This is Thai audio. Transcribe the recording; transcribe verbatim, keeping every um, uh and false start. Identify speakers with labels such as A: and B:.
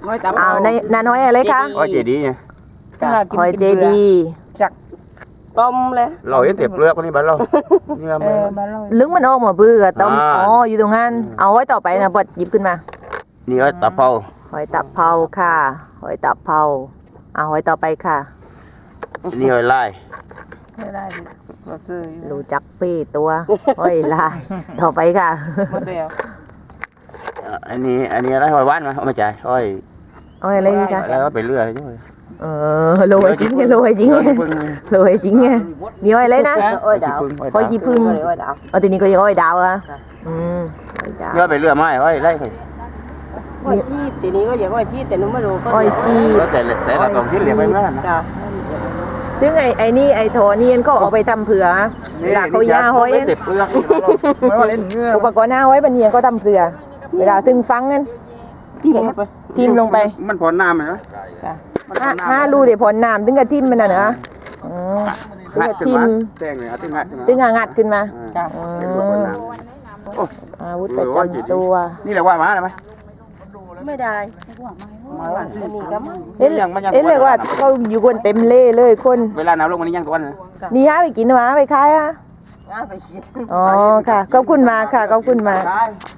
A: เอาในนาน้อยอะไรคะ
B: อ้อยเจดีไง
A: หอยเจดี
C: ต้มเลย
B: เราเห็นเต็บเปลือกคนนี้บ้านเราเนื้อมัน
A: ลึงมันออกมาบื้อกับต้ม
B: อ่า
A: อ๋ออยู่ตรงนั้นเอาไว้ต่อไปนะบดหยิบขึ้นมา
B: นี่อ้อยตะเภา
A: หอยตับเผาค่ะหอยตับเผาเอาหอยต่อไปค่ะ
B: นี่อ้อยลาย
C: ไม่ได้เราซื้อ
A: รู้จักเป้ตัวหอยลายต่อไปค่ะ
C: หมดแล้ว
B: เอ่ออันนี้อันนี้อะไรอ้อยหว่านมาเอามาจ่ายอ้อย
A: หอยอะไรนี่คะ
B: แล้วก็ไปเรื่อยใช่ไหม
A: เออโรยจริงไงโรยจริงไงโรยจริงไงมีหอยอะไรนะ
C: อ้อยดาว
A: หอยจีพึ่ง
C: อ้อยดาว
A: เอาทีนี้ก็ยังหอยดาวอ่ะอืมหอยดาว
B: เรื่อยไปเรื่อยไม้อ้อยไล่ไป
C: อ้อยชีตีนี้ก็อย่างอ้อยชีแต่หนูไม่รู้ก็
A: หอยชี
B: แล้วแต่แต่ละตรงที่เหลือไปเมื่อนั้นนะ
C: จ้ะ
A: ถึงไอ้ไอ้นี่ไอ้โถนี่ก็เอาไปทำเผือเวลาเขาย่าหอย
B: ไม่เต็บเปลือกไม่ว่าเล่นเนื้อ
A: อุปกรณ์หน้าหอยบันเนียนก็ทำเผือเวลาถึงฟังกัน
C: ที่ไหนไป
A: ทิมลงไป
B: มันพอน้ำไหมวะ
C: จ้ะ
A: ห้าห้ารูเดี๋ยวผลน้ำถึงกับทิมมันน่ะนะอืมถึงกับทิม
B: แจ้งเลยอ่ะตึ้งงัด
A: ถึงกับงัดขึ้นมา
C: จ้ะ
B: เป็นลูกคนน้
A: อาวุธประจำตัว
B: ำนี่แหละว่ามาอะไรไหม
C: ไม่ได้อันนี้ก็มั้ง
A: เอ๊ะเอ๊ะเรียกว่าเขาอยู่คนเต็มเล่เลยคน
B: เวลาน้ำลงมันนี่ยังตัวนะ
A: นี่ฮะไปกินมาไปขายอ่ะ
C: อ่ะไปคิด
A: อ๋อค่ะขอบคุณมากค่ะขอบคุณมาก
B: ใช่